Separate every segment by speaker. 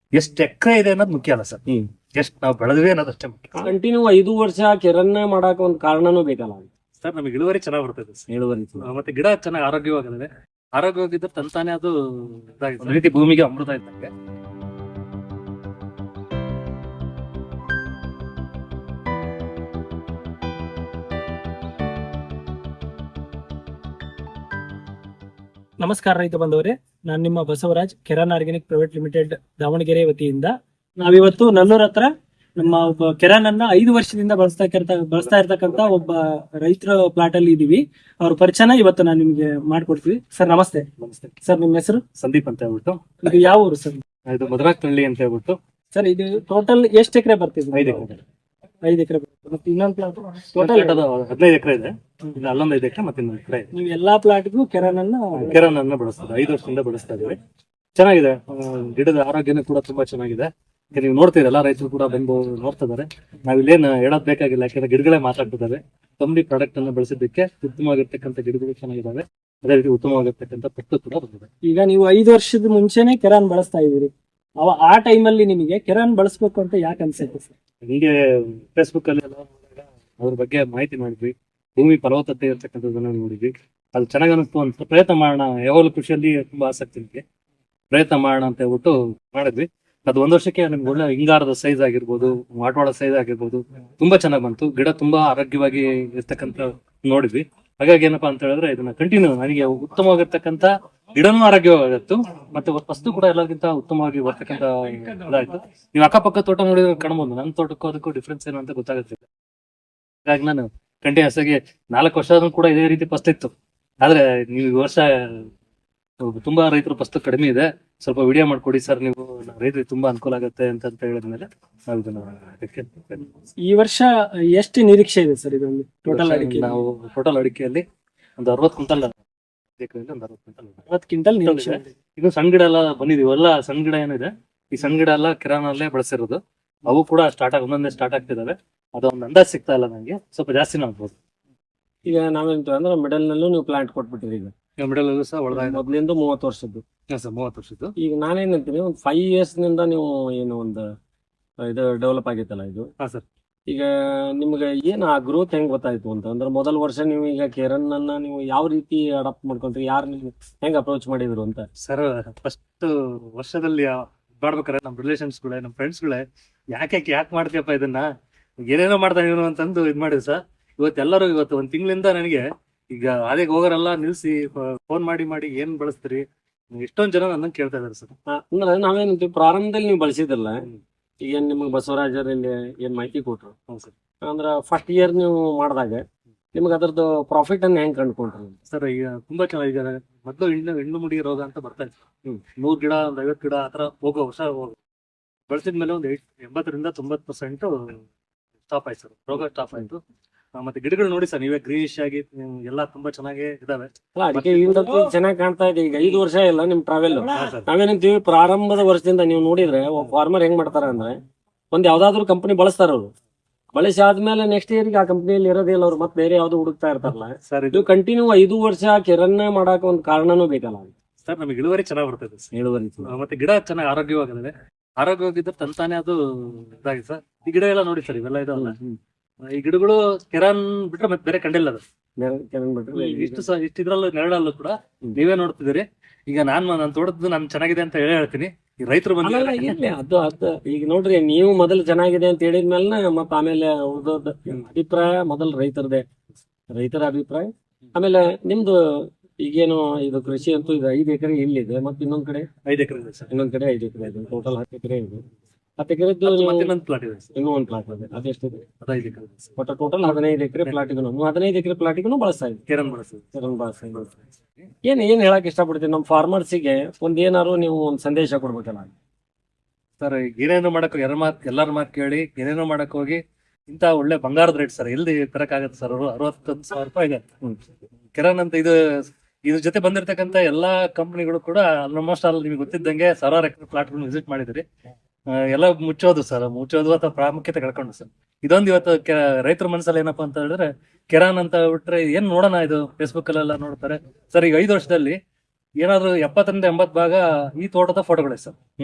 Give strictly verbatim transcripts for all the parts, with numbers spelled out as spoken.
Speaker 1: ಎಷ್ಟು ಎಕರೆ ಇದೆ ಅನ್ನೋದು ಮುಖ್ಯ ಅಲ್ಲ ಸರ್, ಎಷ್ಟು ನಾವು ಬೆಳೆದ್ವಿ ಅನ್ನೋದು ಅಷ್ಟೇ ಮುಖ್ಯ.
Speaker 2: ಕಂಟಿನ್ಯೂ ಐದು ವರ್ಷ ಕಿರಣ್ಣ ಮಾಡಾಕ ಒಂದು ಕಾರಣನೂ ಬೇಕಲ್ಲ
Speaker 1: ಸರ್ ನಮಗೆ ಇಳುವರಿ ಚೆನ್ನಾಗಿ ಬರ್ತದೆ ಸರ್.
Speaker 2: ಇಳುವರಿ.
Speaker 1: ಆ, ಮತ್ತೆ ಗಿಡ ಚೆನ್ನಾಗಿ ಆರೋಗ್ಯವಾಗಿದೆ. ಆರೋಗ್ಯವಾಗಿದ್ದರೆ ತಂತಾನೆ ಅದು ಇದಾಗಿದೆ. ಒಂದು ರೀತಿ ಭೂಮಿಗೆ ಅಮೃತ ಇದ್ದಂಗೆ.
Speaker 3: ನಮಸ್ಕಾರ ರೈತ ಬಂದವರೇ, ನಾನು ನಿಮ್ಮ Basavaraj, Keran organic private limited Davanagere ವತಿಯಿಂದ ನಾವಿವತ್ತು ನಲ್ಲೂರ್ ಹತ್ರ ನಮ್ಮ ಒಬ್ಬ ಕೆರಾನ್ ಅನ್ನ ಐದು ವರ್ಷದಿಂದ ಬಳಸ್ತಾ ಬಳಸ್ತಾ ಇರ್ತಕ್ಕಂತ ಒಬ್ಬ ರೈತರ ಪ್ಲಾಟ್ ಅಲ್ಲಿ ಇದೀವಿ. ಅವ್ರ ಪರಿಚಯನ ಇವತ್ತು ನಾನು ನಿಮ್ಗೆ ಮಾಡ್ಕೊಡ್ತೀವಿ. ಸರ್ ನಮಸ್ತೆ.
Speaker 1: ನಮಸ್ತೆ
Speaker 3: ಸರ್, ನಿಮ್ಮ ಹೆಸರು?
Speaker 1: ಸಂದೀಪ್ ಅಂತ ಹೇಳ್ಬಿಟ್ಟು.
Speaker 3: ಇದು ಯಾವ ಊರು ಸರ್?
Speaker 1: ಇದು ಮಧುರಾಕ್ನಹಳ್ಳಿ ಅಂತ ಹೇಳ್ಬಿಟ್ಟು.
Speaker 3: ಸರ್, ಇದು ಟೋಟಲ್ ಎಷ್ಟು ಎಕರೆ ಬರ್ತಿದೆ?
Speaker 1: ಐದು ಎಕರೆ.
Speaker 3: ಐದು ಎಕರೆ ಬರ್ತದೆ. ಮತ್ತೆ ಇನ್ನೊಂದು ಪ್ಲಾಟ್
Speaker 1: ಟೋಟಲ್ ಹದಿನೈದು ಎಕರೆ ಇದೆ. ಇದು ಅಲ್ಲೊಂದು ಐದು ಎಕರೆ ಮತ್ತೆ ಇನ್ನೊಂದು ಎಕರೆ ಇದೆ.
Speaker 3: ನೀವು ಎಲ್ಲಾ ಪ್ಲಾಟ್ಗೂ ಕೆರಾನ್ ಅನ್ನ
Speaker 1: ಕೆರಾನ್ ಅನ್ನ ಬಳಸ್ತಾರೆ. ಐದು ವರ್ಷದಿಂದ ಬಳಸ್ತಾ ಇದೀವಿ. ಚೆನ್ನಾಗಿದೆ. ಆ, ಗಿಡದ ಆರೋಗ್ಯನೂ ಕೂಡ ತುಂಬಾ ಚೆನ್ನಾಗಿದೆ. ಈಗ ನೀವು ನೋಡ್ತೀರಿ, ಎಲ್ಲಾ ರೈತರು ಕೂಡ ಬಂದು ನೋಡ್ತಾ ಇದಾರೆ. ನಾವ್ ಇಲ್ಲೇನು ಹೇಳೋದ್ ಬೇಕಾಗಿಲ್ಲ, ಯಾಕಂದ್ರೆ ಗಿಡಗಳೇ ಮಾತಾಡ್ತಿದ್ದಾವೆ. ಕಂಪ್ನಿ ಪ್ರಾಡಕ್ಟ್ ಅನ್ನ ಬಳಸಿದ್ದಕ್ಕೆ ಉತ್ತಮವಾಗಿರ್ತಕ್ಕಂಥ ಗಿಡಗಳು ಚೆನ್ನಾಗಿದ್ದಾವೆ. ಅದೇ ರೀತಿ ಉತ್ತಮವಾಗಿರ್ತಕ್ಕಂಥ ಪಟ್ಟು ಕೂಡ ಬಂದಿದೆ.
Speaker 3: ಈಗ ನೀವು ಐದು ವರ್ಷದ ಮುಂಚೆನೆ ಕೆರಾನ್ ಬಳಸ್ತಾ ಇದೀರಿ. ಅವ ಆ ಟೈಮಲ್ಲಿ ನಿಮಗೆ ಕೆರಾನ್ ಬಳಸ್ಬೇಕು ಅಂತ ಯಾಕೆ ಅನ್ಸುತ್ತೆ ಸರ್?
Speaker 1: ಹಿಂಗೆ ಫೇಸ್ಬುಕ್ ಅಲ್ಲಿ ಎಲ್ಲ ನೋಡಿದಾಗ ಅದ್ರ ಬಗ್ಗೆ ಮಾಹಿತಿ ಮಾಡಿದ್ವಿ. ಭೂಮಿ ಫಲವತ್ತತೆ ಇರ್ತಕ್ಕಂಥದ್ದನ್ನ ನೋಡಿದ್ವಿ. ಅದು ಚೆನ್ನಾಗಿ ಅನಿಸ್ತು ಅಂತ ಪ್ರಯತ್ನ ಮಾಡೋಣ. ಯಾವಾಗಲೂ ಕೃಷಿಯಲ್ಲಿ ತುಂಬಾ ಆಸಕ್ತಿ ನನಗೆ. ಪ್ರಯತ್ನ ಮಾಡೋಣ ಅಂತ ಹೇಳ್ಬಿಟ್ಟು ಮಾಡಿದ್ವಿ. ಅದು ಒಂದ್ ವರ್ಷಕ್ಕೆ ನಮ್ಗೆ ಒಳ್ಳೆ ಹಿಂಗಾರದ ಸೈಜ್ ಆಗಿರ್ಬೋದು, ಮಾಟವಾಳ ಸೈಜ್ ಆಗಿರ್ಬೋದು, ತುಂಬಾ ಚೆನ್ನಾಗಿ ಬಂತು. ಗಿಡ ತುಂಬಾ ಆರೋಗ್ಯವಾಗಿ ಇರ್ತಕ್ಕಂಥ ನೋಡಿದ್ವಿ. ಹಾಗಾಗಿ ಏನಪ್ಪಾ ಅಂತ ಹೇಳಿದ್ರೆ ಇದನ್ನ ಕಂಟಿನ್ಯೂ ನನಗೆ ಉತ್ತಮವಾಗಿರ್ತಕ್ಕಂಥ ಗಿಡನೂ ಆರೋಗ್ಯವಾಗಿತ್ತು, ಮತ್ತೆ ವಸ್ತು ಕೂಡ ಎಲ್ಲರಿಗಿಂತ ಉತ್ತಮವಾಗಿ ಬರ್ತಕ್ಕಂಥ ಇದಾಯ್ತು. ನೀವು ಅಕ್ಕಪಕ್ಕ ತೋಟ ನೋಡಿದ್ರೆ ಕಾಣ್ಬೋದು. ನನ್ನ ತೋಟಕ್ಕೂ ಅದಕ್ಕೂ ಡಿಫ್ರೆನ್ಸ್ ಏನು ಅಂತ ಗೊತ್ತಾಗುತ್ತಿಲ್ಲ. ಹಾಗಾಗಿ ನಾನು ಕಂಟಿನ್ಯೂಸ್ ಆಗಿ ನಾಲ್ಕು ವರ್ಷ ಕೂಡ ಇದೇ ರೀತಿ ಫಸ್ಟ್ ಇತ್ತು. ಆದ್ರೆ ನೀವು ಈ ವರ್ಷ ತುಂಬಾ ರೈತರು ಫಸ್ಟ್ ಕಡಿಮೆ ಇದೆ, ಸ್ವಲ್ಪ ವಿಡಿಯೋ ಮಾಡ್ಕೊಡಿ ಸರ್ ನೀವು, ರೈತರಿಗೆ ತುಂಬಾ ಅನುಕೂಲ ಆಗುತ್ತೆ ಅಂತ ಅಂತ ಹೇಳಿದ್ಮೇಲೆ ನಾವು ಇದನ್ನ ಅದಕ್ಕೆ
Speaker 3: ಈ ವರ್ಷ ಎಷ್ಟು ನಿರೀಕ್ಷೆ ಇದೆ ಸರ್ ಇದೊಂದು ಟೋಟಲ್ ಅಡಿಕೆ?
Speaker 1: ನಾವು ಟೋಟಲ್ ಅಡಿಕೆಯಲ್ಲಿ ಒಂದು ಅರವತ್ತು ಕ್ವಿಂಟಲ್ ಎಕರೆಯಲ್ಲಿ ಒಂದು ಅರವತ್ತು ಕ್ವಿಂಟಲ್
Speaker 3: ಅರವತ್ತು ಕ್ವಿಂಟಲ್ ನಿರೀಕ್ಷೆ ಇದೆ.
Speaker 1: ಇದು ಸಣ್ಣ ಗಿಡ ಎಲ್ಲ ಬಂದಿದೀವಿ. ಎಲ್ಲ ಸಣ್ಣ ಗಿಡ ಏನಿದೆ, ಈ ಸಣ್ಣ ಗಿಡ ಎಲ್ಲ ಕಿರಾನಲ್ಲೇ ಬಳಸಿರೋದು. ಅವು ಕೂಡ ಸ್ಟಾರ್ಟ್ ಆಗಿ ಒಂದೊಂದೇ ಸ್ಟಾರ್ಟ್ ಆಗ್ತಿದಾವೆ. ಅದೊಂದು ಅಂದಾಜ್ ಸಿಗ್ತಾ ಇಲ್ಲ ನಂಗೆ, ಸ್ವಲ್ಪ ಜಾಸ್ತಿನೇ ಆಗ್ಬೋದು.
Speaker 2: ಈಗ ನಾವೇಂತ ಅಂದ್ರೆ ಮಿಡಲ್ ನಲ್ಲೂ ನೀವು ಪ್ಲಾಂಟ್ ಕೊಟ್ಬಿಟ್ಟಿರಿ. ಈಗ
Speaker 1: ಮಿಡಲ್ ಸಹ ಒಳಗ
Speaker 2: ಮೊದ್ಲಿಂದ ಮೂವತ್ತು ವರ್ಷದ್ದು.
Speaker 1: ಸರ್ ಮೂವತ್ತು ವರ್ಷದ್ದು.
Speaker 2: ಈಗ ನಾನೇನಂತೀನಿ, ಒಂದು ಫೈವ್ ಇಯರ್ಸ್ ನಿಂದ ನೀವು ಏನು ಒಂದು ಇದು ಡೆವಲಪ್ ಆಗೈತಲ್ಲ ಇದು.
Speaker 1: ಹಾ ಸರ್.
Speaker 2: ಈಗ ನಿಮ್ಗೆ ಏನ್ ಆ ಗ್ರೋತ್ ಹೆಂಗ್ ಗೊತ್ತಾಯ್ತು ಅಂತ ಅಂದ್ರೆ, ಮೊದಲ ವರ್ಷ ನೀವು ಈಗ ಕೆರನ್ ಅನ್ನ ನೀವು ಯಾವ ರೀತಿ ಅಡಾಪ್ಟ್ ಮಾಡ್ಕೊಂಡ್ರಿ, ಯಾರು ನೀವು ಹೆಂಗ್ ಅಪ್ರೋಚ್ ಮಾಡಿದ್ರು ಅಂತ?
Speaker 1: ಸರ್ ಫಸ್ಟ್ ವರ್ಷದಲ್ಲಿ ಮಾಡ್ಬೇಕಾರೆ ನಮ್ಮ ರಿಲೇಷನ್ಸ್ ಗಳೇ, ನಮ್ಮ ಫ್ರೆಂಡ್ಸ್ ಗಳೇ, ಯಾಕೆ ಯಾಕೆ ಮಾಡ್ತೀಯಪ್ಪ ಇದನ್ನ, ಏನೇನೋ ಮಾಡ್ತಾ ಇವನು ಅಂತಂದು ಇದ್ ಮಾಡಿದ್ರು ಸರ್. ಇವತ್ತೆಲ್ಲರೂ ಇವತ್ತು ಒಂದ್ ತಿಂಗಳಿಂದ ನನಗೆ ಈಗ ಅದೇ ಹೋಗೋರೆಲ್ಲ ನಿಲ್ಸಿ ಫೋನ್ ಮಾಡಿ ಮಾಡಿ ಏನ್ ಬಳಸ್ತೀರಿ, ಎಷ್ಟೊಂದ್ ಜನ ನನ್ನ ಕೇಳ್ತಾ ಇದಾರೆ ಸರ್.
Speaker 2: ಅಂದ್ರೆ ನಾವೇನಂತೀವಿ, ಪ್ರಾರಂಭದಲ್ಲಿ ನೀವು ಬಳಸಿದ್ರಲ್ಲ, ಈಗ ಏನ್ ನಿಮ್ಗೆ ಬಸವರಾಜರಲ್ಲಿ ಏನ್ ಮಾಹಿತಿ ಕೊಟ್ರು,
Speaker 1: ಹೌದು ಸರ್.
Speaker 2: ಅಂದ್ರ ಫಸ್ಟ್ ಇಯರ್ ನೀವು ಮಾಡಿದಾಗ ನಿಮ್ಗೆ ಅದ್ರದ್ದು ಪ್ರಾಫಿಟ್ ಅನ್ನ ಹೆಂಗ್ ಕಂಡುಕೊಂಡ್ರಿ
Speaker 1: ಸರ್? ಈಗ ತುಂಬಾ ಚೆನ್ನಾಗಿ ಈಗ ಮೊದಲು ಹೆಣ್ಣು ಹೆಣ್ಣು ಮುಡಿ ರೋಗ ಅಂತ ಬರ್ತಾ ಇತ್ತು. ನೂರ್ ಗಿಡ ಒಂದ್ ಐವತ್ ಗಿಡ ಆತರ ಹೋಗೋ ವರ್ಷ ಹೋಗ ಬಳಸಿದ್ಮೇಲೆ ಒಂದು ಎಂಬತ್ತರಿಂದ ತೊಂಬತ್ ಪರ್ಸೆಂಟ್ ಸ್ಟಾಪ್ ಆಯ್ತು ಸರ್, ರೋಗ ಸ್ಟಾಪ್ ಆಯ್ತು. ಮತ್ತೆ ಗಿಡಗಳು ನೋಡಿ ಸರ್, ನೀವೇ ಗ್ರೀನಿಶ್ ಆಗಿ ಎಲ್ಲಾ ತುಂಬಾ ಚೆನ್ನಾಗಿ ಇದಾವೆ.
Speaker 2: ಅಡಿಕೆ ಚೆನ್ನಾಗಿ ಕಾಣ್ತಾ ಇದೆ. ಈಗ ಐದು ವರ್ಷ ಇಲ್ಲ ನಿಮ್ ಟ್ರಾವೆಲ್. ನಾವೇನಂತೀವಿ, ಪ್ರಾರಂಭದ ವರ್ಷದಿಂದ ನೀವು ನೋಡಿದ್ರೆ ಫಾರ್ಮರ್ ಹೆಂಗ್ ಮಾಡ್ತಾರ ಅಂದ್ರೆ, ಒಂದ್ ಯಾವ್ದಾದ್ರು ಕಂಪನಿ ಬಳಸ್ತಾರ ಅವ್ರು. ಬಳಸಿ ಆದ್ಮೇಲೆ ನೆಕ್ಸ್ಟ್ ಇಯರ್ ಆ ಕಂಪನಿಯಲ್ಲಿ ಇರೋದಿಲ್ಲ, ಅವ್ರು ಮತ್ತೆ ಬೇರೆ ಯಾವ್ದು ಹುಡುಕ್ತಾ ಇರ್ತಾರಲ್ಲ
Speaker 1: ಸರ್.
Speaker 2: ಇದು ಕಂಟಿನ್ಯೂ ಐದು ವರ್ಷ ಕಿರಣ್ಣ ಮಾಡಾಕ ಒಂದ್ ಕಾರಣನೂ ಬೇಕಲ್ಲ
Speaker 1: ಸರ್. ನಮಗೆ ಇಳುವರಿ ಚೆನ್ನಾಗಿ ಬರ್ತದೆ ಸರ್.
Speaker 2: ಇಳುವರಿ
Speaker 1: ಮತ್ತೆ ಗಿಡ ಚೆನ್ನಾಗಿ ಆರೋಗ್ಯವಾಗಿದೆ. ಆರೋಗ್ಯವಾಗಿದ್ರೆ ತಂತಾನೆ ಅದು ಇದಾಗಿದೆ ಸರ್. ಈ ಗಿಡ ಎಲ್ಲ ನೋಡಿ ಸರ್, ಇವೆಲ್ಲ ಇದಾವಲ್ಲ, ಈ ಗಿಡಗಳು ಕೆರಾನ್ ಬಿಟ್ರೆ ಮತ್ತೆ ಬೇರೆ ಕಂಡಿಲ್ಲ ಅದು. ಇಷ್ಟು ಸಹ ಇಷ್ಟು ಇದ್ರಲ್ಲೂ ನೆರಳಲ್ಲೂ ಕೂಡ ನೀವೇ ನೋಡ್ತಿದ್ದೀರಿ. ಈಗ ನಾನ್ ನಾನು ತೋಟದ್ದು ನಾನು ಚೆನ್ನಾಗಿದೆ ಅಂತ ಹೇಳಿ ಹೇಳ್ತೀನಿ. ಈ ರೈತರು ಬಂದ
Speaker 2: ಅದು ಅದು ಈಗ ನೋಡ್ರಿ, ನೀವು ಮೊದಲು ಚೆನ್ನಾಗಿದೆ ಅಂತ ಹೇಳಿದ್ಮೇಲೆ ಮತ್ತ ಆಮೇಲೆ ಉಳ್ದೋದ್ ಅಭಿಪ್ರಾಯ ಮೊದಲು ರೈತರದೇ, ರೈತರ ಅಭಿಪ್ರಾಯ. ಆಮೇಲೆ ನಿಮ್ದು ಈಗೇನು ಇದು ಕೃಷಿ ಅಂತೂ ಇದು ಐದು ಎಕರೆ ಇಲ್ಲಿದೆ, ಮತ್ತೆ ಇನ್ನೊಂದ್ ಕಡೆ
Speaker 1: ಐದು ಎಕರೆ ಇದೆ ಸರ್.
Speaker 2: ಇನ್ನೊಂದ್ ಕಡೆ ಐದು ಎಕರೆ ಇದೆ. ಟೋಟಲ್ ಹತ್ತು ಎಕರೆ ಇದೆ. ಹತ್ತು ಎಕರೆದ್ದು
Speaker 1: ಇನ್ನೊಂದು ಪ್ಲಾಟ್ ಇದೆ ಸರ್.
Speaker 2: ಇನ್ನೂ ಒಂದು ಪ್ಲಾಟ್ ಇದೆ. ಅದೆಷ್ಟಿದೆ?
Speaker 1: ಹದಿನೈದು ಎಕರೆ ಇದೆ ಸರ್.
Speaker 2: ಒಟ್ಟು ಟೋಟಲ್ ಹದಿನೈದು ಎಕರೆ ಪ್ಲಾಟಿಗೂ ಹದಿನೈದು ಎಕರೆ ಪ್ಲಾಟಿಗೂ ಬಳಸ್ತಾ ಇದ್ದೀವಿ.
Speaker 1: ಕೆರನ್ ಬಳಸ್ತೀವಿ.
Speaker 2: ಕೆರನ್ ಬಳಸ್ತಾ ಇದ್ದೀವಿ. ಏನ್ ಏನ್ ಹೇಳಕ್ ಇಷ್ಟಪಡ್ತೀನಿ ನಮ್ಮ ಫಾರ್ಮರ್ಸಿಗೆ, ಒಂದ್ ಏನಾರು ನೀವು ಒಂದ್ ಸಂದೇಶ ಕೊಡ್ಬೇಕಲ್ಲ
Speaker 1: ಸರ್? ಏನೇನೋ ಮಾಡಕ್ ಯಾರ ಮಾತ್ ಎಲ್ಲಾರ ಮಾತು ಕೇಳಿ ಏನೇನೋ ಮಾಡಕ್ ಹೋಗಿ ಇಂತ ಒಳ್ಳೆ ಬಂಗಾರದ ರೇಟ್ ಸರ್ ಎಲ್ಲಿ ತರಕಾಗತ್ತೆ ಸರ್? ಅವರು ಅರವತ್ತೊಂದು ಸಾವಿರ ರೂಪಾಯಿ ಇದೆ ಕೆರನ್ ಅಂತ. ಇದು ಇದ್ರ ಜೊತೆ ಬಂದಿರತಕ್ಕಂತ ಎಲ್ಲಾ ಕಂಪನಿಗಳು ಕೂಡ ಆಲ್ಮೋಸ್ಟ್ ಆಲ್ ನಿಮ್ಗೆ ಗೊತ್ತಿದ್ದಂಗೆ ಸಾವಿರಾರು ಎಕರೆ ಪ್ಲಾಟ್ ವಿಸಿಟ್ ಮಾಡಿದ್ರಿ. ಎಲ್ಲ ಮುಚ್ಚೋದು ಸರ್, ಮುಚ್ಚೋದು ಅಥವಾ ಪ್ರಾಮುಖ್ಯತೆ ಕಳ್ಕೊಂಡು ಸರ್. ಇದೊಂದು ಇವತ್ತು ರೈತರ ಮನಸ್ಸಲ್ಲಿ ಏನಪ್ಪಾ ಅಂತ ಹೇಳಿದ್ರೆ, ಕೆರಾನ್ ಅಂತ ಬಿಟ್ರೆ ಏನ್ ನೋಡೋಣ, ಇದು ಫೇಸ್ಬುಕ್ ಅಲ್ಲೆಲ್ಲ ನೋಡ್ತಾರೆ ಸರ್. ಈಗ ಐದು ವರ್ಷದಲ್ಲಿ ಏನಾದ್ರು ಎಪ್ಪತ್ತರಿಂದ ಎಂಬತ್ ಭಾಗ ಈ ತೋಟದ ಫೋಟೋಗಳೇ ಸರ್.
Speaker 2: ಹ್ಮ್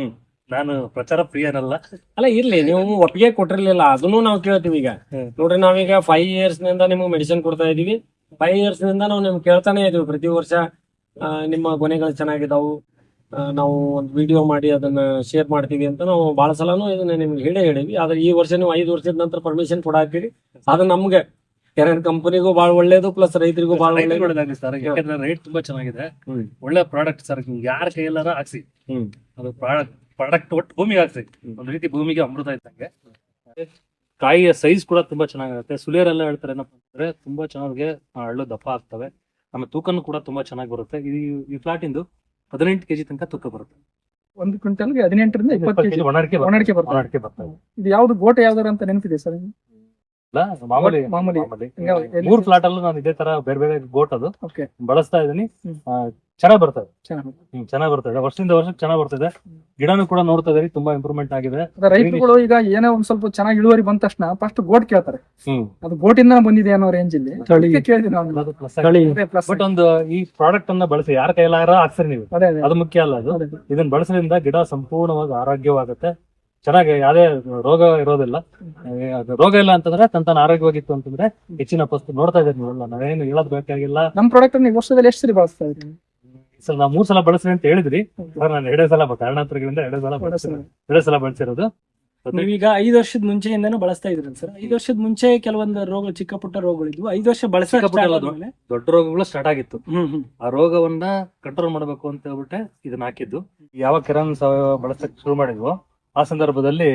Speaker 1: ನಾನು ಪ್ರಚಾರ ಪ್ರಿಯನಲ್ಲ.
Speaker 2: ಅಲ್ಲ ಇರ್ಲಿ, ನೀವು ಒಪ್ಪಿಗೆ ಕೊಟ್ಟಿರ್ಲಿಲ್ಲ, ಅದನ್ನು ನಾವು ಕೇಳ್ತೀವಿ ಈಗ.
Speaker 1: ಹ್ಮ್.
Speaker 2: ನೋಡ್ರಿ, ನಾವೀಗ ಫೈವ್ ಇಯರ್ಸ್ ನಿಂದ ನಿಮ್ಗೆ ಮೆಡಿಸಿನ್ ಕೊಡ್ತಾ ಇದೀವಿ. ಫೈವ್ ಇಯರ್ಸ್ ನಿಂದ ನಾವು ನಿಮ್ಗೆ ಕೇಳ್ತಾನೆ ಇದೀವಿ ಪ್ರತಿ ವರ್ಷ. ಆ, ನಿಮ್ಮ ಕೊನೆಗಳು ಚೆನ್ನಾಗಿದಾವು, ಆ, ನಾವು ಒಂದು ವಿಡಿಯೋ ಮಾಡಿ ಅದನ್ನ ಶೇರ್ ಮಾಡ್ತೀವಿ ಅಂತ ನಾವು ಬಹಳ ಸಲನೂ ಇದನ್ನ ನಿಮ್ಗೆ ಹೇಳೇ ಹೇಳಿವಿ. ಆದ್ರೆ ಈ ವರ್ಷ ನೀವು ಐದು ವರ್ಷದ ನಂತರ ಪರ್ಮಿಷನ್ ಕೊಡಾಕ್ತೀರಿ, ಅದು ನಮ್ಗೆ ಕೆರೆನ್ ಕಂಪನಿಗೂ ಬಹಳ ಒಳ್ಳೇದು, ಪ್ಲಸ್ ರೈತರಿಗೂ ಬಹಳ ಒಳ್ಳೇದು.
Speaker 1: ಒಳ್ಳೇದಾಗ್ಲಿ ಸರ್, ಯಾಕಂದ್ರೆ ರೇಟ್ ತುಂಬಾ ಚೆನ್ನಾಗಿದೆ,
Speaker 2: ಹ್ಮ್.
Speaker 1: ಒಳ್ಳೆ ಪ್ರಾಡಕ್ಟ್ ಸರ್. ಯಾರ ಕೈಯಲ್ಲಾರ ಹಾಕ್ಸಿ,
Speaker 2: ಹ್ಮ್.
Speaker 1: ಅದು ಪ್ರಾಡಕ್ಟ್ ಪ್ರಾಡಕ್ಟ್ ಒಟ್ಟು ಭೂಮಿಗೆ ಹಾಕ್ಸಿ, ಒಂದ್ ರೀತಿ ಭೂಮಿಗೆ ಅಮೃತ ಇದ್ದಂಗೆ. ಕಾಯಿಯ ಸೈಜ್ ಕೂಡ ತುಂಬಾ ಚೆನ್ನಾಗಿರುತ್ತೆ. ಸುಲಿಯರೆಲ್ಲ ಹೇಳ್ತಾರೆ ಏನಪ್ಪಾ ಅಂದ್ರೆ ತುಂಬಾ ಚೆನ್ನಾಗಿ ಹಳ್ಳು ದಪ್ಪ ಆಗ್ತವೆ, ಆಮೇಲೆ ತೂಕನು ಕೂಡ ತುಂಬಾ ಚೆನ್ನಾಗಿ ಬರುತ್ತೆ. ಈ ಈ ಫ್ಲಾಟ್ ಇಂದು ಹದಿನೆಂಟು ಕೆಜಿ ತನಕ ತೂಕ ಬರುತ್ತೆ.
Speaker 3: ಒಂದು ಕ್ವಿಂಟಲ್ಗೆ ಹದಿನೆಂಟರಿಂದ ಇಪ್ಪತ್ತು ಕೆಜಿ
Speaker 1: ಒಣಡಿಕೆ
Speaker 3: ಒಣಡಿಕೆ ಬರ್ತದೆ.
Speaker 1: ಒಣಡಿಕೆ ಬರ್ತವೆ.
Speaker 3: ಇದು ಯಾವ್ದು ಗೋಟೆ ಯಾವ್ದಾರ ಅಂತ ನೆನಪಿದೆ ಸರ್?
Speaker 1: ಇಲ್ಲ, ಮಾಮೂಲಿ
Speaker 3: ಮಾಮೂಲಿ.
Speaker 1: ಮಾಮೂಲಿ.
Speaker 3: ಹಿಂಗ ಎಲ್ಲಿ-
Speaker 1: ಮೂರ್ ಫ್ಲಾಟ್ ಅಲ್ಲೂ ನಾನು ಇದೇ ತರ ಬೇರೆ ಬೇರೆ ಗೋಟ್ ಅದು
Speaker 3: ಓಕೆ,
Speaker 1: ಬಳಸ್ತಾ ಇದೀನಿ.
Speaker 3: ಹ್ಮ್.
Speaker 1: ಆ, ಚೆನ್ನಾಗ್ ಬರ್ತದೆ.
Speaker 3: ಚೆನ್ನಾಗಿ.
Speaker 1: ಹ್ಮ್ ಚೆನ್ನಾಗ್ ಬರ್ತದೆ, ವರ್ಷದಿಂದ ವರ್ಷಕ್ಕೆ ಚೆನ್ನಾಗ್ ಬರ್ತದೆ. ಗಿಡನೂ ಕೂಡ ನೋಡ್ತಾ ಇದೀರಿ, ತುಂಬಾ ಇಂಪ್ರೂವ್ಮೆಂಟ್ ಆಗಿದೆ.
Speaker 3: ಅದ ರೈತರುಗಳು ಈಗ ಏನೋ ಒಂದ್ ಸ್ವಲ್ಪ ಚೆನ್ನಾಗಿ ಇಳುವರಿ ಬಂದ ತಕ್ಷಣ ಫಸ್ಟ್ ಗೋಟ್ ಕೇಳ್ತಾರೆ.
Speaker 1: ಹ್ಮ್
Speaker 3: ಅದು ಗೋಟಿಂದ ಬಂದಿದೆ ಅನ್ನೋ ರೇಂಜ್ ಇಲ್ಲಿ ಅದಕ್ಕೆ ಕೇಳಿದ್ವಿ ನಾವು.
Speaker 1: ಅದು plus
Speaker 3: ತಳಿ
Speaker 1: ಆಗಿದೆ.
Speaker 3: ಅದೇ plus.
Speaker 1: ಬಟ್ ಒಂದು ಈ ಪ್ರಾಡಕ್ಟ್ ಅನ್ನ ಬಳಸಿ ಯಾರ ಕೈಲಾರ ಹಾಕ್ಸರಿ ನೀವು,
Speaker 3: ಅದೇ ಅದೇ
Speaker 1: ಅದು ಮುಖ್ಯ ಅಲ್ಲ. ಅದು
Speaker 3: ಅದೇ.
Speaker 1: ಇದನ್ನ ಬಳಸೋದ್ರಿಂದ ಗಿಡ ಸಂಪೂರ್ಣವಾಗಿ ಆರೋಗ್ಯವಾಗುತ್ತೆ, ಚೆನ್ನಾಗಿ ಯಾವುದೇ ರೋಗ ಇರೋದಿಲ್ಲ. ಏ, ಅದು ರೋಗ ಇಲ್ಲ ಅಂತಂದ್ರೆ ತನ್ನ ಆರೋಗ್ಯವಾಗಿತ್ತು ಅಂತಂದ್ರೆ ಹೆಚ್ಚಿನ ಪಸ್ತು ನೋಡ್ತಾ ಇದ್ದೀರಿ ನೀವೆಲ್ಲ, ನಾವೇನು ಹೇಳೋದ್ ಬೇಕಾಗಿಲ್ಲ.
Speaker 3: ನಮ್ ಪ್ರಾಡಕ್ಟ್ ನೀವು ವರ್ಷದಲ್ಲಿ ಎಷ್ಟು ಸರಿ ಬಳಸ್ತಾ ಇದ್ರಿ?
Speaker 1: ಸರ್ ನಾವು ಮೂರ್ ಸಲ ಬಳಸ್ರಿ ಅಂತ ಹೇಳಿದ್ರಿ ಸರ್, ನಾನು ಎರಡೇ ಸಲ ಕಾರಣಾಂತರಗಳಿಂದ ಎರಡೇ ಸಲ ಬಳಸಿರೋದು ಎರಡೇ ಸಲ ಬಳಸಿರೋದು.
Speaker 3: ನೀವೀಗ ಐದು ವರ್ಷದ ಮುಂಚೆಯಿಂದಾನು ಬಳಸ್ತಾ ಇದ್ರಲ್ಲ ಸರ್? ಐದು ವರ್ಷದ ಮುಂಚೆ ಕೆಲವೊಂದು ರೋಗ, ಚಿಕ್ಕ ಪುಟ್ಟ ರೋಗಗಳಿದ್ವು. ಐದು ವರ್ಷ
Speaker 1: ಚಿಕ್ಕ ಪುಟ್ಟ ಅಲ್ಲ,
Speaker 3: ಬಳಸಿದ್ರೆ
Speaker 1: ದೊಡ್ಡ ರೋಗಗಳು ಸ್ಟಾರ್ಟ್ ಆಗಿತ್ತು.
Speaker 3: ಹ್ಮ್ ಹ್ಮ್
Speaker 1: ಆ ರೋಗವನ್ನ ಕಂಟ್ರೋಲ್ ಮಾಡಬೇಕು ಅಂತ ಹೇಳ್ಬಿಟ್ಟೆ ಇದನ್ನ ಹಾಕಿದ್ದು. ಯಾವ ಕಿರಣ್ ಸಾವಯವ ಬಳಸಕ್ ಶುರು ಮಾಡಿದ್ವು ಆ ಸಂದರ್ಭದಲ್ಲಿ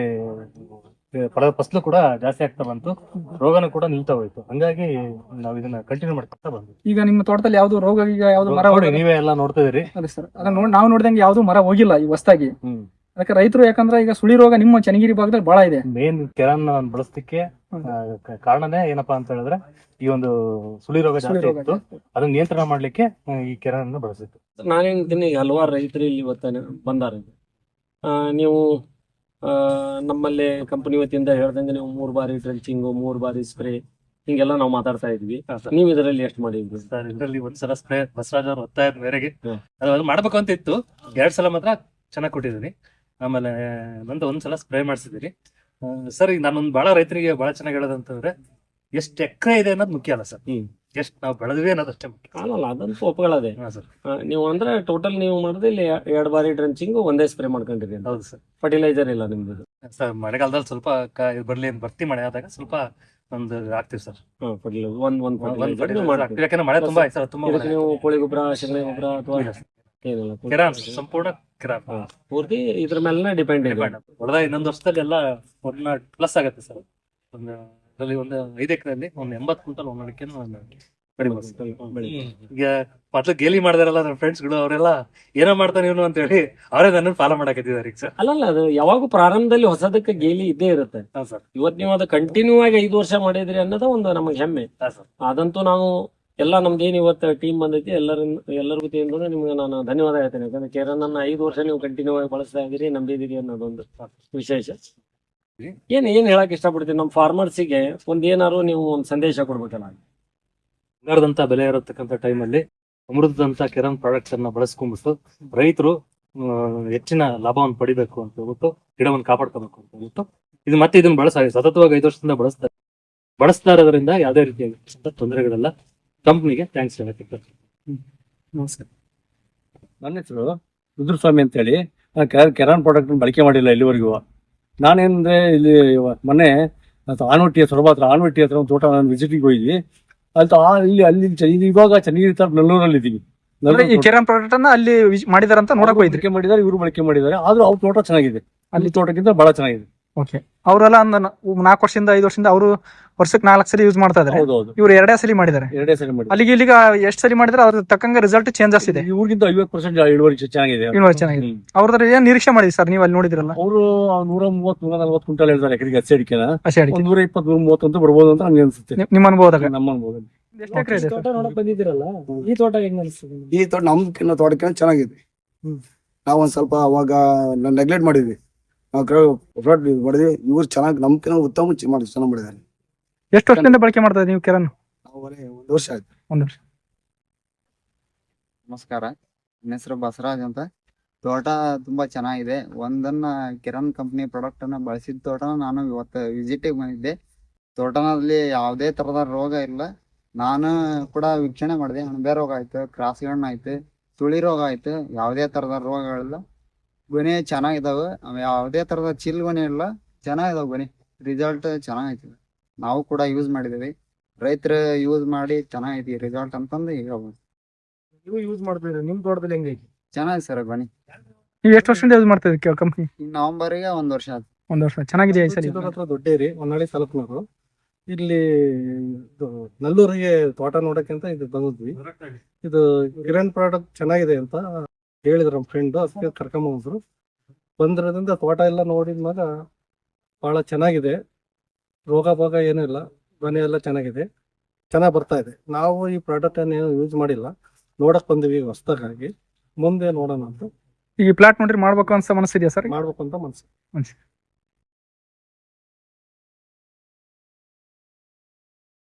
Speaker 1: ಫಲ ಫಸಲು ಕೂಡ ಜಾಸ್ತಿ ಆಗ್ತಾ ಬಂತು, ರೋಗನೂ ಕೂಡ ನಿಲ್ತಾ ಹೋಯ್ತು. ಹಂಗಾಗಿ ನಾವ್ ಇದನ್ನ ಕಂಟಿನ್ಯೂ ಮಾಡ್ತಾ ಬಂದ್ವಿ.
Speaker 3: ಈಗ ನಿಮ್ಮ ತೋಟದಲ್ಲಿ ಯಾವ್ದು ರೋಗ, ಈಗ ಯಾವ್ದು ಮರ
Speaker 1: ನೋಡಿ, ನೀವೇ ಎಲ್ಲ ನೋಡ್ತಾ ಇದೀರಿ.
Speaker 3: ಅದೇ ಸರ್, ಅದನ್ನ ನೋಡ್ ನಾವು ನೋಡಿದಂಗೆ ಯಾವ್ದು ಮರ ಹೋಗಿಲ್ಲ ಈ ಹೊಸದಾಗಿ.
Speaker 1: ಹ್ಮ್
Speaker 3: ಅದಕ್ಕೆ ರೈತರು, ಯಾಕಂದ್ರೆ ಈಗ ಸುಳಿ ರೋಗ ನಿಮ್ಮ ಚನ್ನಗಿರಿ ಭಾಗದಲ್ಲಿ ಬಹಳ ಇದೆ.
Speaker 1: ಮೇನ್ ಕೆರನ್ ಬಳಸಲಿಕ್ಕೆ ಕಾರಣನೇ ಏನಪ್ಪಾ ಅಂತ ಹೇಳಿದ್ರೆ ಈ ಒಂದು ಸುಳಿ ರೋಗ
Speaker 3: ಸುಳಿ
Speaker 1: ಜಾಸ್ತಿ
Speaker 3: ರೋಗ
Speaker 1: ಇತ್ತು, ಅದನ್ನ ನಿಯಂತ್ರಣ ಮಾಡ್ಲಿಕ್ಕೆ ಆ, ಈ ಕೆರನ್ ಅನ್ನು ಬಳಸಿತ್ತು.
Speaker 2: ನಾನೇಂತೀನಿ, ಈಗ ಹಲವಾರು ರೈತರು ಇಲ್ಲಿ ಇವತ್ತ ಬಂದಾರ. ಆ, ನೀವು ಆ, ನಮ್ಮಲ್ಲಿ ಕಂಪನಿ ವತಿಯಿಂದ ಹೇಳ್ದಂಗೆ ನೀವು ಮೂರ್ ಬಾರಿ ಡ್ರೆಂಚಿಂಗು, ಮೂರ್ ಬಾರಿ ಸ್ಪ್ರೇ, ಹಿಂಗೆಲ್ಲ ನಾವು ಮಾತಾಡ್ತಾ ಇದ್ವಿ.
Speaker 1: ಹಾ, ಸರ್.
Speaker 2: ನೀವು ಇದರಲ್ಲಿ ಎಷ್ಟು ಮಾಡಿದ್ರಿ?
Speaker 1: ಸರ್, ಇದರಲ್ಲಿ ಒಂದ್ಸಲ ಸ್ಪ್ರೇ ಬಸವರಾಜ್ ಅವ್ರ ಒತ್ತಾಯದ ಮೇರೆಗೆ
Speaker 2: ಹ್ಮ್.
Speaker 1: ಅದು ಅದು ಮಾಡ್ಬೇಕು ಅಂತ ಇತ್ತು. ಎರಡ್ ಸಲ ಮಾತ್ರ ಚೆನ್ನಾಗಿ ಕೊಟ್ಟಿದ್ದೀನಿ, ಆಮೇಲೆ ನಂದು ಒಂದ್ಸಲ ಸ್ಪ್ರೇ ಮಾಡಿಸಿದೀನಿ. ಸರ್, ಈಗ ನಾನೊಂದು ಬಹಳ ರೈತರಿಗೆ ಬಹಳ ಚೆನ್ನಾಗಿ ಹೇಳೋದಂತಂದ್ರೆ ಎಷ್ಟು ಎಕರೆ ಇದೆ ಅನ್ನೋದು ಮುಖ್ಯ ಅಲ್ಲ ಸರ್,
Speaker 2: ಹ್ಮ್.
Speaker 1: ಎಷ್ಟು ನಾವು ಬೆಳೆದ್ವಿ ಅನ್ನೋದು ಅಷ್ಟೇ ಮುಖ್ಯ.
Speaker 2: ಅಲ್ಲಲ್ಲ, ಅದಂತೂ ಒಪ್ಕೊಳ್ಳೋದೆ.
Speaker 1: ಹಾ ಸರ್,
Speaker 2: ಆ, ನೀವು ಅಂದ್ರೆ ಟೋಟಲ್ ನೀವು ಮಾಡಿದ್ರೆ ಇಲ್ಲಿ ಎರಡ್ ಬಾರಿ ಡ್ರೆಂಚಿಂಗು, ಒಂದೇ ಸ್ಪ್ರೇ ಮಾಡ್ಕೊಂಡಿರಿ ಅಂತ.
Speaker 1: ಹೌದು ಸರ್.
Speaker 2: ಫರ್ಟಿಲೈಸರ್ ಇಲ್ಲ ನಿಮ್ದು?
Speaker 1: ಸರ್, ಮಳೆಗಾಲದಲ್ಲಿ ಸ್ವಲ್ಪ ಕ- ಇದು ಬರ್ಲಿ ಅಂತ ಬರ್ತಿ ಮಳೆ ಆದಾಗ ಸ್ವಲ್ಪ ಒಂದು ಹಾಕ್ತಿವಿ ಸರ್.
Speaker 2: ಹಾ, ಫರ್ಟಿಲೈಸರ್ ಒಂದ್ ಒಂದ್
Speaker 1: ಒಂದ್
Speaker 2: ಫರ್ಟಿಲೈಸರ್
Speaker 1: fertilizer
Speaker 2: ನೀವು ಮಾಡ್ತೀರಿ.
Speaker 1: ಹಾಕ್ತೀವಿ. ಯಾಕಂದ್ರೆ ಮಳೆ ತುಂಬಾ ಆಯ್ತು ಸರ್, ತುಂಬಾ
Speaker 2: ಇದಕ್ಕೆ
Speaker 1: ಮಳೆ
Speaker 2: ನೀವು ಕೋಳಿ ಗೊಬ್ಬರ, ಶಗಣಿ ಗೊಬ್ಬರ ಅಥವಾ
Speaker 1: ಇಲ್ಲ ಸರ್.
Speaker 2: ಏನಿಲ್ಲ,
Speaker 1: ಕಿರಾನ್ ಸಂಪೂರ್ಣ ಕಿರಾನ್
Speaker 2: ಹಾ, ಪೂರ್ತಿ ಇದ್ರ ಮೇಲೆ ಡಿಪೆಂಡ್ ಇದೆ.
Speaker 1: ಹೊಡೆದ ಇನ್ನೊಂದು ವರ್ಷದಲ್ಲಿ ಎಲ್ಲ ಒನ್ ಪ್ಲಸ್ ಆಗುತ್ತೆ ಸರ್. ಒಂದು ಇದರಲ್ಲಿ ಒಂದು ಐದು ಎಕರೆಯಲ್ಲಿ ಒಂದು ಎಂಬತ್ತು ಕ್ವಿಂಟಲ್ ಒಂದ್ ಅಡಿಕೆ
Speaker 2: ಬೆಳೆ.
Speaker 1: ಈಗ ಮೊದ್ಲು ಗೇಲಿ ಮಾಡಿದಾರಲ್ಲ ನನ್ನ ಫ್ರೆಂಡ್ಸ್ ಗಳು, ಅವರೆಲ್ಲ ಏನೋ ಮಾಡ್ತಾನೆ ಇವನು ಅಂತ ಹೇಳಿ ಅವರೇ ನನ್ನ ಫಾಲೋ ಮಾಡಕತ್ತಿದ್ದಾರೆ ಈಗ ಸರ್.
Speaker 2: ಅಲ್ಲಲ್ಲ, ಅದು ಯಾವಾಗ ಪ್ರಾರಂಭದಲ್ಲಿ ಹೊಸದಕ್ಕೆ ಗೇಲಿ ಇದ್ದೇ ಇರುತ್ತೆ.
Speaker 1: ಹಾ ಸರ್,
Speaker 2: ಇವತ್ ನೀವು ಅದು ಕಂಟಿನ್ಯೂ ಆಗಿ ಐದು ವರ್ಷ ಮಾಡಿದ್ರಿ ಅನ್ನೋದು ಒಂದು ನಮಗೆ ಹೆಮ್ಮೆ.
Speaker 1: ಹಾ ಸರ್.
Speaker 2: ಅದಂತೂ ನಾವು ಎಲ್ಲ ನಮ್ದೇನು ಇವತ್ತು ಟೀಮ್ ಬಂದೈತಿ, ಎಲ್ಲರಿಂದ ಎಲ್ಲರ ವತಿಯಿಂದ ನಿಮ್ಗೆ ನಾನು ಧನ್ಯವಾದ ಹೇಳ್ತೇನೆ. ಯಾಕಂದ್ರೆ ಕೇರನ್ ಅನ್ನ ಐದು ವರ್ಷ ನೀವು ಕಂಟಿನ್ಯೂ ಆಗಿ ಬಳಸ್ತಾ ಇದ್ದೀರಿ, ನಂಬಿದಿರಿ ಅನ್ನೋದೊಂದು ವಿಶೇಷ. ಏನ್ ಏನ್ ಹೇಳಕ್ ಇಷ್ಟಪಡ್ತೀನಿ ನಮ್ಮ ಫಾರ್ಮರ್ಸಿಗೆ, ಒಂದ್ ಏನಾರು ನೀವು ಒಂದ್ ಸಂದೇಶ ಕೊಡ್ಬೇಕಲ್ಲ.
Speaker 1: ಬಂಗಾರದಂತ ಬೆಲೆ ಇರತಕ್ಕಂತ ಟೈಮಲ್ಲಿ ಅಮೃತದಂತ ಕೆರನ್ ಪ್ರಾಡಕ್ಟ್ಸ್ ಅನ್ನ ಬಳಸ್ಕೊಂಡ್ಬಿಟ್ಟು ರೈತರು ಹೆಚ್ಚಿನ ಲಾಭವನ್ನು ಪಡಿಬೇಕು ಅಂತ ಹೇಳ್ಬಿಟ್ಟು, ಗಿಡವನ್ನು ಕಾಪಾಡ್ಕೋಬೇಕು ಅಂತ ಹೇಳ್ಬಿಟ್ಟು ಇದು ಮತ್ತೆ ಇದನ್ನ ಬಳಸ ಸತತವಾಗಿ ಐದು ವರ್ಷದಿಂದ ಬಳಸ್ತಾರೆ ಬಳಸ್ತಾ ಇರೋದ್ರಿಂದ ಯಾವುದೇ ರೀತಿಯಾಗಿ ತೊಂದರೆಗಳೆಲ್ಲ. ಕಂಪ್ನಿಗೆ ಥ್ಯಾಂಕ್ಸ್ ಹೇಳಕ್ಕೆ.
Speaker 3: ನಮಸ್ಕಾರ.
Speaker 4: ನನ್ನ ಹೆಸರು ರುದ್ರಸ್ವಾಮಿ ಅಂತೇಳಿ. ನಾನು ಕೆರ ಕೆರಾನ್ ಪ್ರಾಡಕ್ಟ್ ಬಳಕೆ ಮಾಡಿಲ್ಲ ಇಲ್ಲಿವರೆಗೂ. ನಾನೇನಂದ್ರೆ ಇಲ್ಲಿ ಮೊನ್ನೆ ಆನವಟ್ಟಿ ಸೊರಬ ಹತ್ರ ಆನವಟ್ಟಿ ಹತ್ರ ಒಂದು ತೋಟ ನಾನು ವಿಸಿಟಿಗೆ ಹೋಗಿದ್ವಿ. ಅಲ್ಲಿ ಆ ಇಲ್ಲಿ ಅಲ್ಲಿ ಚ- ಇದು ಇವಾಗ ಚನ್ನಗಿರಿ ತರ ನಲ್ಲೂರಲ್ಲಿ ಇದ್ದೀವಿ.
Speaker 3: ಈ ಕೆರನ್ ಪ್ರಾಡಕ್ಟ್ ಅನ್ನ ಅಲ್ಲಿ ಮಾಡಿದಾರಂತ ನೋಡಕ್ ಹೋಯ್ತ್ರಿ.
Speaker 4: ಬಳಕೆ ಮಾಡಿದ್ದಾರೆ, ಇವರು ಬಳಕೆ ಮಾಡಿದ್ದಾರೆ. ಆದ್ರೂ ಅವ್ರ ತೋಟ ಚೆನ್ನಾಗಿದೆ, ಅಲ್ಲಿ ತೋಟಕ್ಕಿಂತ ಬಹಳ ಚೆನ್ನಾಗಿದೆ.
Speaker 5: ಓಕೆ, ಅವರೆಲ್ಲ ಒಂದು ನಾಲ್ಕು ವರ್ಷದಿಂದ ಐದು ವರ್ಷದಿಂದ ಅವರು ವರ್ಷಕ್ಕೆ ನಾಲ್ಕು ಸಲ ಯೂಸ್ ಮಾಡ್ತಾ ಇದಾರೆ.
Speaker 4: ಹೌದೌದು,
Speaker 5: ಇವ್ರು ಎರಡೇ ಸಲ ಮಾಡಿದ್ದಾರೆ.
Speaker 4: ಎರಡೇ ಸರಿ ಮಾಡಿ.
Speaker 5: ಅಲ್ಲಿಗೆ ಇಲ್ಲಿಗ ಎಷ್ಟು ಸಲ ಮಾಡಿದ್ರೆ ಅದ್ರ ತಕ್ಕಂಗೆ ರಿಸಲ್ಟ್ ಚೇಂಜಸ್ ಇದೆ.
Speaker 4: ಇವ್ರಿಗಿಂತ ಐವತ್ತು ಪರ್ಸೆಂಟ್ ಇಳುವರಿ ಚೆನ್ನಾಗಿದೆ.
Speaker 5: ಇಳುವರಿ ಚೆನ್ನಾಗಿದೆ. ಅವ್ರದ್ರ ಏನ್ ನಿರೀಕ್ಷೆ ಮಾಡಿದ್ರಿ ಸರ್ ನೀವು ಅಲ್ಲಿ ನೋಡಿದ್ರಲ್ಲ?
Speaker 4: ಅವರು ನೂರ ಮೂವತ್ ನೂರ ನಲ್ವತ್ತು ಕ್ವಿಂಟಲ್ ಹೇಳ್ತಾರೆ ಎಕರೆಗೆ ಹಸಿ ಅಡಿಕೆನ.
Speaker 5: ಹಸಿ ಅಡಿಕೆ
Speaker 4: ಒಂದ್ ನೂರ ಇಪ್ಪತ್ತು ನೂರ ಮೂವತ್ತು ಅಂತ ಬರ್ಬೋದು ಅಂತ ನಮ್ಗೆ ಅನ್ಸುತ್ತೆ,
Speaker 5: ನಿಮ್- ನಿಮ್ಮ ಅನುಭವದಾಗ.
Speaker 4: ನಮ್ಮ ಅನುಭವ.
Speaker 5: ಎಷ್ಟು ಎಕರೆ ಇದೆ
Speaker 3: ತೋಟ ನೋಡಕ್ ಬಂದಿದ್ದೀರಲ್ಲ, ಈ ತೋಟ ಹೆಂಗ್ ಅನಿಸ್ತದೆ ನಿಮ್ಗೆ?
Speaker 6: ಈ ತೋಟ ನಮ್ಕಿನ್ನ ತೋಟಕ್ಕೆ ಚೆನ್ನಾಗಿದೆ.
Speaker 3: ಹ್ಮ್.
Speaker 6: ನಾವ್ ಒಂದ್ ಸ್ವಲ್ಪ ಅವಾಗ ನೆಗ್ಲೆಕ್ಟ್ ಮಾಡಿದ್ವಿ, ನಾವು ಮಾಡಿದ್ವಿ. ಇವ್ರು ಚೆನ್ನಾಗಿ ನಮ್ಕಿನ್ನ ಉತ್ತಮ ಚಿ- ಮಾಡಿ ಚೆನ್ನಾಗಿ ಮಾಡಿದ್ದಾರೆ.
Speaker 5: ಎಷ್ಟು ವರ್ಷದಿಂದ ಬಳಕೆ ಮಾಡ್ತಾ ಇದ್ದೀವಿ ನೀವು ಕೆರನ್?
Speaker 6: ನಾವು ಬರೀ ಒಂದ್ ವರ್ಷ ಆಯ್ತು.
Speaker 5: ಒಂದು ವರ್ಷ.
Speaker 7: ನಮಸ್ಕಾರ, ನನ್ನ ಹೆಸರು ಬಸವರಾಜ್ ಅಂತ. ತೋಟ ತುಂಬಾ ಚೆನ್ನಾಗಿದೆ. ಒಂದನ್ನ ಕಿರಣ್ ಕಂಪ್ನಿ ಪ್ರಾಡಕ್ಟ್ ಅನ್ನ ಬಳಸಿದ ತೋಟನ ನಾನು ಇವತ್ತು ವಿಸಿಟಿಗೆ ಬಂದಿದ್ದೆ. ತೋಟನಲ್ಲಿ ಯಾವುದೇ ತರದ ರೋಗ ಇಲ್ಲ. ನಾನು ಕೂಡ ವೀಕ್ಷಣೆ ಮಾಡಿದೆ. ಅಣಬೆ ರೋಗ ಆಯ್ತು, ಕ್ರಾಸ್ ಗಣ್ಣ ಆಯ್ತು, ತುಳಿ ರೋಗ ಆಯ್ತು, ಯಾವುದೇ ತರದ ರೋಗಗಳಿಲ್ಲ. ಗೊನೆ ಚೆನ್ನಾಗಿದಾವೆ, ಅವ್ ಯಾವುದೇ ತರದ ಚಿಲ್ ಗೊನೆ ಇಲ್ಲ, ಚೆನ್ನಾಗಿದಾವೆ ಗೊನೆ. ರಿಸಲ್ಟ್ ಚೆನ್ನಾಗೈತಿ. ನಾವು ಕೂಡ ಯೂಸ್ ಮಾಡಿದ್ದೀವಿ. ರೈತರು ಯೂಸ್ ಮಾಡಿ ಚೆನ್ನಾಗೈತಿ ರಿಸಲ್ಟ್ ಅಂತಂದು ಹೇಳ್ಬೋದು.
Speaker 3: ನೀವು ಯೂಸ್ ಮಾಡ್ತಿದ್ರೆ ನಿಮ್ ತೋಟದಲ್ಲಿ ಹೆಂಗೈತಿ?
Speaker 7: ಚೆನ್ನಾಗಿದೆ ಸರ್ ಗೊನೆ.
Speaker 5: ನೀವು ಎಷ್ಟು ವರ್ಷದಿಂದ ಯೂಸ್ ಮಾಡ್ತಾ ಇದ್ದೀರಿ ಕಂಪ್ನಿ?
Speaker 7: ಈ ನವೆಂಬರ್ಗೆ ಒಂದ್ ವರ್ಷ ಆಯ್ತು.
Speaker 5: ಒಂದ್ ವರ್ಷ ಚೆನ್ನಾಗಿದೆ ಈ ಸರಿ.
Speaker 4: ಚಿತ್ತೂರ್ ಹತ್ರ ದೊಡ್ಡೇರಿ ಹೊನ್ನಾಳಿ ತಾಲೂಕಿನವರು. ಇಲ್ಲಿ ಇದು ನಲ್ಲೂರಿಗೆ ತೋಟ ನೋಡಕ್ಕಿಂತ ಇದು ಬಂದಿದ್ವಿ. ಇದು ಕಿರಣ್ ಪ್ರಾಡಕ್ಟ್ ಚೆನ್ನಾಗಿದೆ ಅಂತ ಹೇಳಿದ್ರು ನಮ್ಮ ಫ್ರೆಂಡ್, ಅದಕ್ಕೆ ಕರ್ಕೊಂಬಂದ್ರು. ಬಂದಿರೋದ್ರಿಂದ ತೋಟ ಎಲ್ಲ ನೋಡಿದ್ಮಾಗ ಬಹಳ ಚೆನ್ನಾಗಿದೆ. ರೋಗ ಭೋಗ ಏನೂ ಇಲ್ಲ, ಮನೆ ಎಲ್ಲ ಚೆನ್ನಾಗಿದೆ, ಚೆನ್ನಾಗಿ ಬರ್ತಾ ಇದೆ. ನಾವು ಈ ಪ್ರಾಡಕ್ಟ್ ಅನ್ನು ಯೂಸ್ ಮಾಡಿಲ್ಲ, ನೋಡಕ್ ಬಂದಿವಿ ಹೊಸದಾಗಿ. ಮುಂದೆ ನೋಡೋಣ ಅಂತ
Speaker 5: ಈಗ ಪ್ಲಾಟ್ ನೋಡ್ರಿ ಮಾಡ್ಬೇಕು ಅನ್ಸ ಮನಸ್ಸಿದೆಯಾ ಸರ್?
Speaker 4: ಮಾಡ್ಬೇಕು ಅಂತ ಮನ್ಸು.
Speaker 5: ಮನ್ಸು